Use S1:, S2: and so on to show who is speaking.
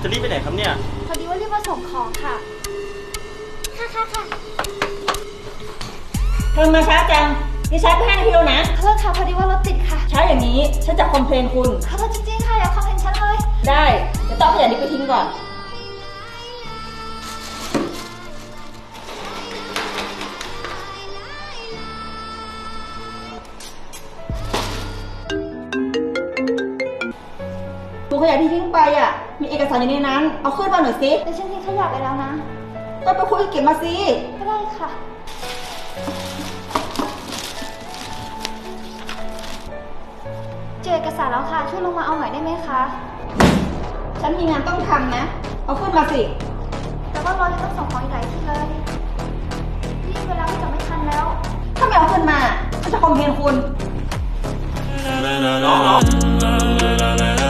S1: จะรีบไปไหนครับเนี่ย
S2: พอดีว่ารีบมาส่งของค่ะ ค่ะ
S3: ทำไมมาช้าจังดิฉันไป5 นาทีแล้วนะ
S2: ขอโทษค่ะพอดีว่ารถติดค่ะ
S3: ช้าอย่างนี้ฉันจะคอมเพลนคุณ
S2: ขอโทษจริงๆค่ะอย่าคอมเมนต์ฉันเลย
S3: ได้เดี๋ยวต้องเอาขยะนี้ไปทิ้งก่อนถุงขยะที่ทิ้งไปอ่ะมีเอกสารอยู่ในนั้นเอาขึ้นมาหน่อยสิ
S2: แต่ฉันทิ้งขยะไปแล้วนะ
S3: ก็ไปคุยเก็บมาสิ
S2: ก็ได้ค่ะ เจอเอกสารแล้วค่ะ ช่วยลงมาเอาหน่อยได้ไหมคะ
S3: ฉันมีงานต้องทำนะเอาขึ้นมาสิ
S2: แต่ว่ารอจะต้องส่งของอีกหลายที่เลยรีบเวลาจะไม่ทันแล้ว
S3: ถ้าไม่เอาขึ้นมาฉันจะคอมเพลนคุณ
S1: น้อง